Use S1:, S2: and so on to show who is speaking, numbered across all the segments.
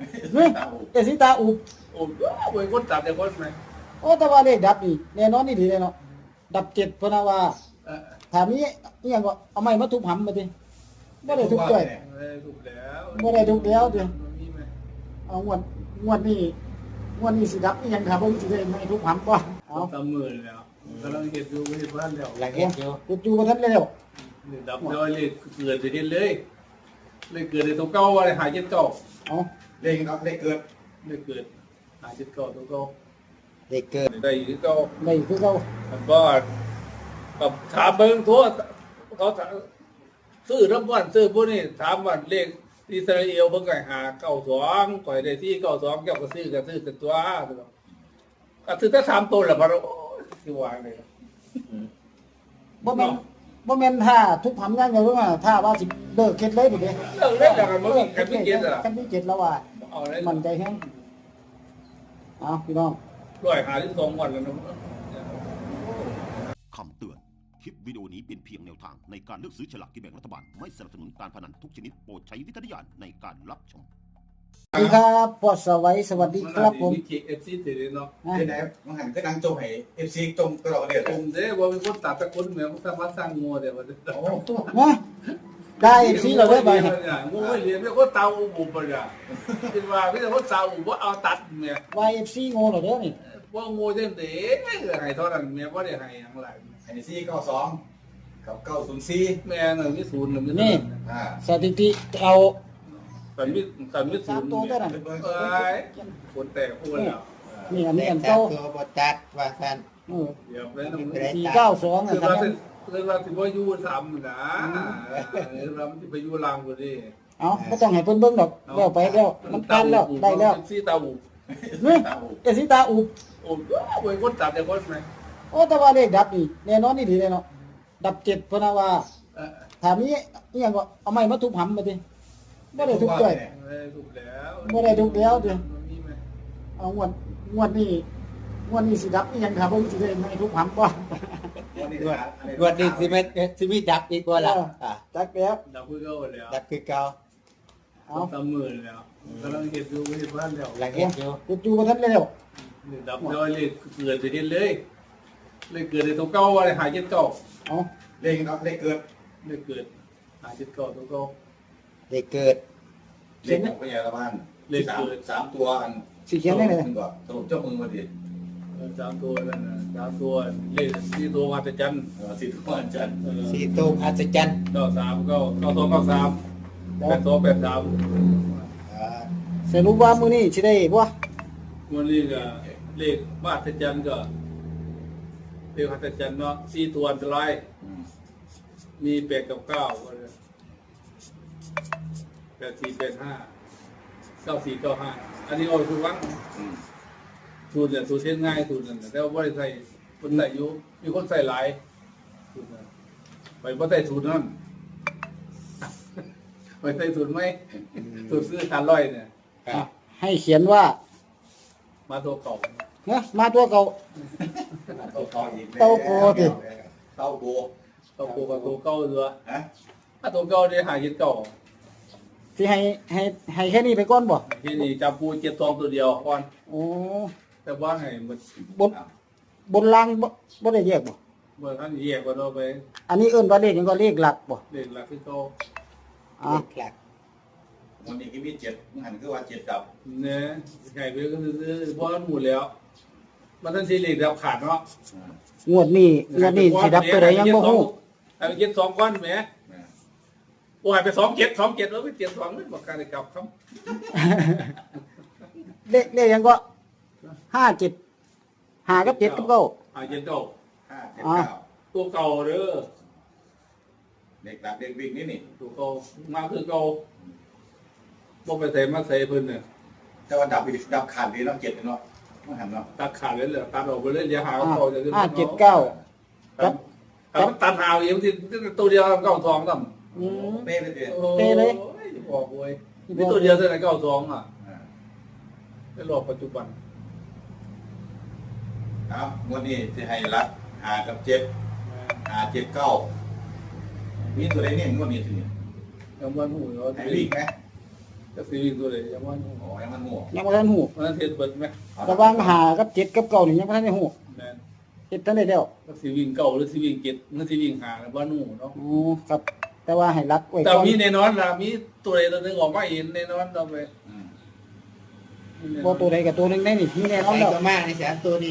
S1: นี่เอสีตาอุบ
S2: โอ้ยเว้ยคนตัดแต่คนไหม
S1: โอ้แต่ว่าเลขดับนี่แน่นอนนี่ดีเลยเนาะดับเจ็ดเพราะนะว่า
S2: เออ
S1: ถามนี้อหยังก็เอาไม้มาทุบหำมาดิบ่ได้ทุบด้วย
S2: ไม่ได้ถูกแล้ว
S1: บ่ได้ทุกแล้วเดี๋ยว
S2: มันมีไหม
S1: เอางวดนี้สิดับอีหยังครับเบิ่งสิได้ไม่ทุบหำบ่เอา
S2: ตามมือแล้วกำลังเห็นดูเห็นบ้านแล้ว
S3: หลังเห็นอยู่
S1: เฮ็ดอยู่บ่ทันแล้ว
S2: นี่ดับเลยเลยเกิดจะเห็นเลยเลยเกิดในตัวเก่าอะไรหายเจ็ดเก่า
S1: เอา
S3: เลขครับเลขเกิด
S2: เลยเกิดหายเจ็ดเก่าตัวเก่า
S3: เลขเกิด
S2: ได้อยู่ที่เก่า
S1: ได้คือเก่า
S2: มันก็กับถามเบิ่งทั่วเขาซื้อทั้งวันซื้อพวกนี้ถามวันเลขอิสราเอลเพิ่งไก่หา92ก่อยได้ที่92เกี่ยวกับซื้อกันตัวก็ซื้อถ้า3ตัวแหละมันที่วางเลย
S1: บ่แม่นท่าทุบหำอย่างเดียวว่าท่าว่าสิเลิกเฮ็ดเลยพุ่นเด้
S2: เลิกเล่นจากกันมันมีกันไม่เก็ตอ่ะ
S1: กันไม่เก็ตแล้วว่า
S2: เอาเลย
S1: มันใจแฮงเอาพี่น้อง
S2: 152วันแล้วนะ
S4: คำเตือน คลิปวิดีโอนี้เป็นเพียงแนวทางในการเลือกซื้อฉลากกินแบ่งรัฐบาล ไม่สนับสนุนการพนันทุกชนิดโปรดใช้วิจารณญาณในการรับชม
S1: สวัสดีครับพ่อสวัยสวัสดีครับผม
S2: มีเคเอฟซีติดเนาะ
S1: นะ
S3: ที่ไหนมันหันก็ดังโจมให้เอฟซีจมตลอดเลย
S2: ผมเด้ว่าเป็นคนตัดตะคนเหมือนสามารถสร้างงัวเดี๋ยวมัน
S3: โอ้
S1: นะได้FC เราได้ไป
S2: งัวไม่เรียนไม่คนเตาอุบไปอ่ะคิดว่าไม่ใช่คนเตาอุบว่าเอาตัดเนี่ย
S1: YFC โง่เหรอเด้อนี่
S2: ว่างัวเต็มเต๋ให้เท่านั้นเมียว่าได้ให้อย่างไร
S3: ไอ้ซี่92กับ904
S2: แม่หนึ่งมีศูนย์หนึ่งมี
S3: อ่า
S1: สถิติเอา
S2: สันมีศู
S1: สาม
S2: นย์
S1: ตัวเท่านั้น
S2: เอ้ยคนแตกคนแล้ว
S1: นี่อันนี้อัน
S3: เก้า
S1: เก่า
S3: ตัวบจัดว่าแฟน
S2: เดี๋ยวเลยต้อง
S1: 492
S2: คือ
S1: อ่ะ
S2: เรา
S1: ครับ
S2: คือเราถือว่ายูทำนะเราไม่ไปยูรังกูดิ
S1: เอาบ่ต้องให้เพิ่นเบิ่งดอกแล้วไปแล้วมันตันแล้วได้แล้ว
S2: ซีตาอุ
S1: นี่เอสีตาอุบ
S2: โอ้ยเว้ยคนตัดแต่คนไหม
S1: โอ้แต่ว่าเลขดับนี่แน่นอนนี่ดีเลยเนาะดับเจ็ดเพราะนะว่าถามนี้อหยังก็เอาไม้มาทุบหำมาดิบ่ได้ทุบด้วย
S2: ไม่ได้ถูกแล้ว
S1: บ่ได้ทุบแล้วเดี๋ยว
S2: มันมีไหม
S1: เอางวดนี้สิดับอีหยังครับเบิ่งสิได้ไม่ทุบหำบ่
S3: วันนี้สิมีดับอีกว่าล่ะอ่า
S1: จักแล้ว
S2: ดับเพื่อเขาแล้ว
S3: ดับคือเก่า
S1: เอา
S2: ตามมือแล้วกำลังเห็นดูเห็นบ้านแล้ว
S3: หลังเห็นอยู่
S1: เฮ็ดอยู่บ่ทันแล้ว
S2: ดับเลยเกิดจะเห็นเลยเลยเกิดในตัวเก่าอะไรหายเจ็ดเก่า
S1: เอา
S3: เลขครับเลขเกิด
S2: เลยเกิดหายเจ็ดเก่าตัวเก่า
S3: เลขเกิดเลขของพญาบ้านสามตัวอัน
S1: สิเขียนได้เลย
S3: ก็สรุปเจ้ามือมาดิ
S2: สามตัวนั่นนะสามตัวเลขที่ตัวมาแต่จัน
S3: สิทุกวันจันทร์
S5: สีตูมอัศจรรย์
S2: เก้าสามเก้า8283
S1: สรุปว่ามื้อนี้สิได้บ่
S2: วันนี้ก็เลขมาแต่จันก็เลขมาแต่จันเนาะ4ตัวอันตรายมี8กับ9ก็เลย8485 9495อันนี้เอาทุกวันสูตรเนี่ยสูตรเช่นง่ายสูตรนั่นแต่ว่าไม่ได้ใส่คนใส่อยู่มีคนใส่หลายสูตรนั้นไปไม่ใส่สูตรนั่นไปใส่สูตรไหมสูตรซื้อ1,000เนี่ย
S1: อ่ะให้เขียนว่า
S2: มาตัวเก่า
S1: นะมาตัวเก่า
S3: เต้าโก
S2: เก่ากับตัวเก่าด้วย
S3: ฮะ
S2: ถ้าตัวเก่าได้หาเจ็ดเก่า
S1: สิให้แค่นี้ไปก่อนบ่
S2: ที่นี่จับปูเจ็ดทองตัวเดียวก่อน
S1: โอ้
S2: แต่ว่าให้มัน
S1: บนล่างบ่ได้แยกบ่
S2: เมื่อท่านแยกกันเราไป
S1: อันนี้เอิ้นว่าเลขหยังก็เลขหลักบ่
S2: เด็กหลักที่เขา
S1: อ่า
S5: เลขหลัก
S3: วันนี้ก็มี7มันหันคือว่า7ดับ
S2: เนี่ยไก่ไปก็คือเพราะมันหมดแล้ว มันท่านซีรีส์ดับขาดเนาะ
S1: งวดนี้สิดับตัวใดยังบ่ฮู้
S2: ให้ไปเจ็ดสองก้อนแหมโอ้ยไป2 7 2 7แล้วไป7 2นี่บอกการได้กลับครับ
S1: เลขหยังก็57 5กับ7กับ9
S2: หาเจ็ดเก่า
S3: 5 7 9
S2: ตัวเก่าเด้อ
S3: เลขดับเลขวิ่งนี่
S2: ตัวเก่ามาคือเก่าบ่ไปใส่มาใส่เพิ่นเนี่ย
S3: แต่ว่าดับขาดดีเนาะ7เนาะมันหันเนาะ
S2: ตัดขาดเลยเหรอตัดออกไปเลยเดี๋ยวหาเขาจะขึ้น
S1: 579
S2: ครับตัดหาวอย่างที่ตัวเดียวเก้าทองต่ำ
S1: อืม
S3: เป้เลยดิ
S1: เป้เลย
S2: บอกเว้ยนี่ตัวเดียวเท่าไหร่เก้าทองอ่ะในรอบปัจจุบัน
S3: ครับงวดนี้จะให้รัด5กับ7 5 7 9มีตัวใดเนี่ยงวดนี้สิ
S2: ยังวันหูเรา
S3: ให้วิ่งไหม
S2: ก็ซีวิ่งตัวเลยยังว่า
S3: โอ้ยมันหมวก
S1: ยังบ่ทันฮู้
S2: มันเทียบเบิดไหม
S1: ระหว่างหากับเจ็ดกับเก้านี่ยังบ่ทันได้ฮู้
S2: แม่น
S1: เจ็ดทันได้แล้ว
S2: ก็ซีวิ่งเก่าหรือซีวิ่งเก็ดมันซีวิ่งหาแล้วว่านู่เนาะ
S1: อ๋อครับ แต่ว่าให้รักไว้
S2: แต่
S1: ก่อน
S2: มีแน่นอนล่ะมีตัวใดตัวหนึงออกมาเองแน่นอนเราไป
S3: อืม
S1: บ่ตัวใดกับตัวหนึงได้นี่มีแน่นอน
S5: ใคร
S1: แล้ว
S5: ก็มากในสามตัวนี้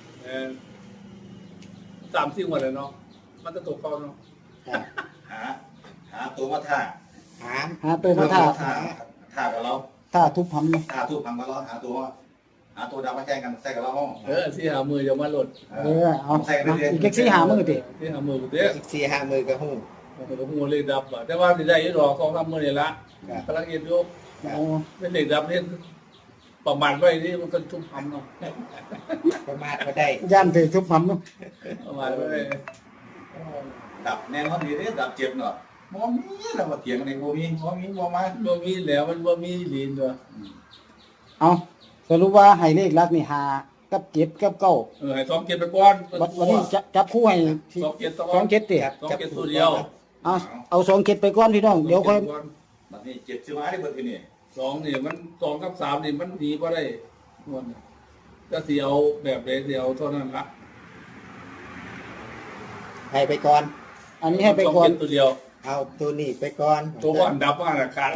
S2: 30วันเลยเนาะมันจะตกเข้าเนาะ
S3: หาตัวมาท่า
S5: หาม
S1: หาตัวมาท่า
S3: ท่ากับเรา
S1: ท่าทุบหำเนาะ
S3: ท่าทุบพังกับเราหาตัวดาวมาแข่งกันใส่กับเราห้อง
S2: สิหามือจะมาหลด
S1: เอาอีกแค่สี่หามื้อติ
S2: สิหามือกูเด้อ
S5: อีก4-5มือก็หู
S2: มันก็หูเลยดับอ่ะแต่ว่าสิได้อยู่ดอก2-3มื้อนี่ละกำลังเฮ็ดอยู่
S1: โอ้
S2: เป็นเด็กดับเฮ็ดประมาณไว้นี่มันก็ทุบหำเนาะ
S5: ประมาทก็ได้
S1: ย่านถือทุบหำเนาะ
S2: ประมาณไว้
S3: ดับแน่นอนดีเด้ดับเจ็บเนาะมองมีเรามาเถียงกันในโมมีมองมีมองมา
S2: บ่มีแล้วมันบ่มีลีนตัว
S1: เอาสรุปว่าให้เลขลักนี่หากับเจ็ดกับเก้า
S2: ให้2เก็บไปก่อน
S1: วันนี้จับคู่ให้ที่
S2: 2เก็บ
S1: สองเจ็ดติ
S2: 2เก็บตัวเดียว
S1: เอาสองเจ็ดไปก่อนพี่น้องเดี๋ยวค่อย
S3: บัดนี้เจ็บชื่อมาได้เบิดทีนี่
S2: 2นี่มัน2กับ3นี่มันดีบ่ได้ม่วนก็สิเอาแบบใดสิเอาเท่านั้นละ
S5: ให้ไปก่อน
S1: อันนี้ให้ไปก่อน
S2: 2เก็บตัวเดียว
S5: เอาตัวนี้ไปก่อน
S2: ตัวก่อนดับมาละครับ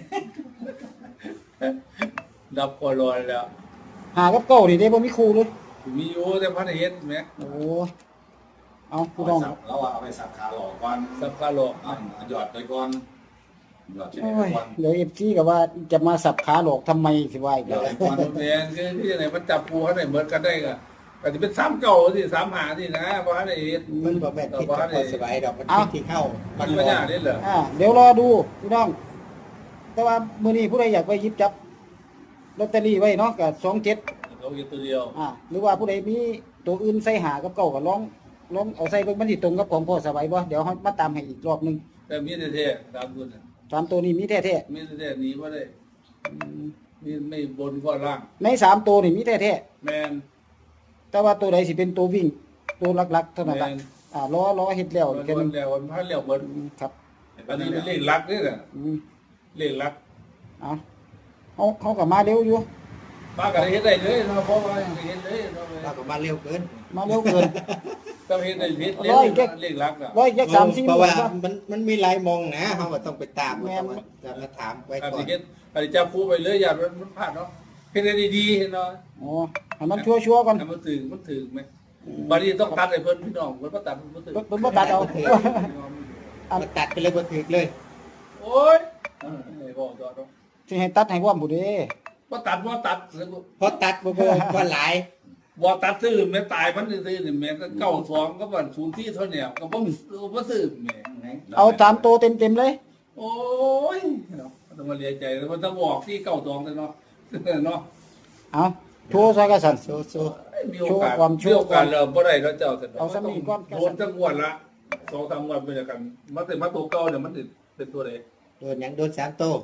S2: ดับก่อนลอยแล้ว
S1: หากับเก้านี่ได้บ่มีครูเลย
S2: มีอยู่แต่พันเฮ็ดแหม
S1: โอ้เอาพี่น้อง
S3: เราเอาไปสับขาหลอกก่อน
S2: สับขาหลอก
S3: หยอดไปก่อนหยอดเช็ด
S1: โอ้
S3: ไป
S1: ย
S3: ก่อน
S1: เดี๋ยว FC ก็ว่าจะมาสับขาหลอกทำไมสิว่าอีก
S3: หย
S1: แล้ว
S3: อดไปก่อน
S2: แม่นคือที่ไหนมันจับปูเขาไหนเหมือนกันได้ก็ก็สิเป็น3เก่าสิ3หาสินะบ่ทันได้เฮ็ด
S5: มันบ่แม่นผิดกับคนสบายดอกมันผิดที่เข้า
S2: มั
S5: มัน น
S2: บ่
S5: บ่
S2: ยากเด้เหรอ
S1: เดี๋ยวรอดูพี่น้อง แต่ว่ามื้อนี้ผู้ใดอยากไปหยิบจับลอตเตอรี่ไว้เนาะก็27
S2: เขาเฮ็ดตัวเดียว
S1: หรือว่าผู้ใดมีตัวอื่นใส่หากับเก้าก็ลองเอาใส่เบิ่งมันสิตรงกับของพ่อสบายบ่เดี๋ยวเฮามาตามให้อีกรอบหนึง
S2: แต่มีแท้ๆตามคุณน่ะ
S1: สามตัวนี้มีแท้
S2: มีแท้ๆหนีบ่ได้มีไม่บนก็ล่าง
S1: ๆในสามตัวนี่มีแท้
S2: แม่น
S1: ๆแต่ว่าตัวใดสิเป็นตัววิ่งตัวหลักๆเท่านั้นล่ะ
S2: แม่น
S1: รอเฮ็ดแล้ว
S2: วัน
S1: แค่นั้น
S2: แล้ววันพันแล้วเบิด
S1: ครับ
S2: อันนี้เป็นเลขหลักนี่น่ะ
S1: อืม
S2: เลขหลัก
S1: เขาก็มาเร็วอยู่
S2: ป้าก็ได้เฮ็ดได้เลยเนาะเพราะว่าเฮ็ดเลยเนาะ
S5: เราก็มาเร็วเกิน
S1: มาเร็วเกิน
S2: ก็เฮ็ดได้เฮ็ด
S1: ร้อยแค่
S2: เลขหลักอ่ะ
S1: ร้อยแค่3-4
S5: เพ
S1: มื้
S5: ราะ
S1: อ
S5: ว่า
S1: ครับ
S5: มันมีหลายมองนะเฮาก็ต้องไปตาม
S1: แม่น
S5: จะมาถามไว้
S2: อัน
S5: ก่อน
S2: นี้เฮ็ดอันนี้จับคู่ไปเลยอย่ามันพลาดเนาะเฮ็ดได้ดีๆเนาะ
S1: อ๋อให้มันชัวร์ๆก่อน
S2: ให้มันถึงไหมบัดนี้ต้องตัดให้เพิ่นพี่น้องเพิ่นบ่ตัดเพิ่นบ่ถึง
S1: เพิ่นบ่ตัดเอา
S5: มาตัดไปเลยบ่ถูกเลย
S2: โอ้ยไม่บอกต่อเนาะ
S1: สิให้ตัดให้พร้อมผู้เด้
S2: บ่ตัด
S5: เพราะตัดบ่หลาย
S2: บ่ตัดซื้อแม่ตายมันซื้อนี่แม่ก็92ก็บ่0ที่เท่าเนี่ยก็บ่ซื้อแม่
S1: เอา3ตัวเต็มๆเลย
S2: โอ้ยเนาะต้องมาเลียใจแล้วมันต้องบอกที่92เลยเนาะเนาะ
S1: เอาโชว์ซะกันสั่น
S5: โซ
S2: มีโอกาส
S1: ความ
S2: มีโอกาสเริ่มบ่ได้แล้วเจ้าแต่
S1: เอาซ้ำอีกก่อน
S2: โดนจังหวัดละ2-3วันเป็นกันมาแต่มาตัวเก่าเนี่ยมันเป็นตัวใด
S5: โดนหยังโดน3ตัว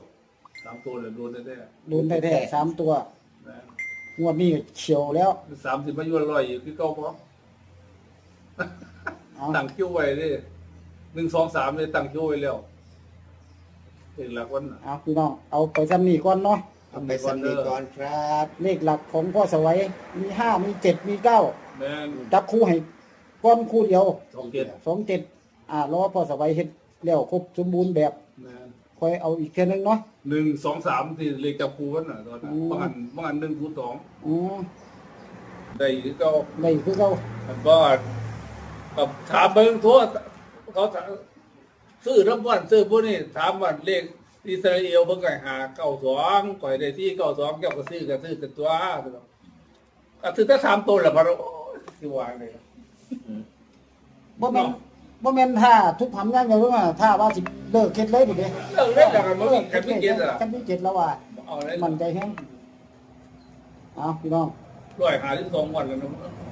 S2: 3ตัวเลยโดนแท้
S1: โดนแท้ๆ3ตัว
S2: ๆนะ
S1: งวดนี้เฉียวแล้ว
S2: 30มาอยู่100อยู่คือเก่าบ่
S1: เอา
S2: ตั้งคิวไว้เด้1 2 3เลยตั้งคิวไว้แล้วถึงหลักวันน่ะ
S1: เอาพี่น้องเอาไปซ้ำนี่ก่อนเนาะ
S5: เอาไปสำนีก่อนครับ
S1: เลขหลักของพ่อสวัยมี5มี7มี9
S2: แม่น
S1: จับคู่ให้ก้อนคู่เดียว
S2: 27
S1: 27รอพ่อสวัยเฮ็ดแล้วครบสมบูรณ์แบบ
S2: แม่น
S1: ค่อยเอาอีกเทื่อนึงเนาะ
S2: 1 2 3ที่เลขจับคู่กันน่ะตอนนั้นบางอัน1 0
S1: อ๋อ
S2: 2ได้คือเก่า
S1: ได้คือเก่า
S2: มันก็กับถามเบิ่งทั่วเขาซื้อทั้งวันซื้อพวกนี้ถามว่าเลขอิสราเอลเพิ่นก็หา92ก่อยได้ที่92แก้วก็ซื้อแต่ตัวก็ซื้อแต่3ตัวแล้วบ่โอ้ยสิว่าเลย
S1: บ่แม่นท่าทุกหำอย่างเดียวว่าท่าว่าสิเลิกเฮ็ดเลยพุ่นเด้
S2: เลิกเล่นแล้วกันบ่มีกันไม่เก็ตอ่ะ
S1: กันมีเจ็ดแล้วว่า
S2: เอาเลย
S1: มั่นใจแฮงเอาพี่น้อง
S2: 152วันแล้วเนาะ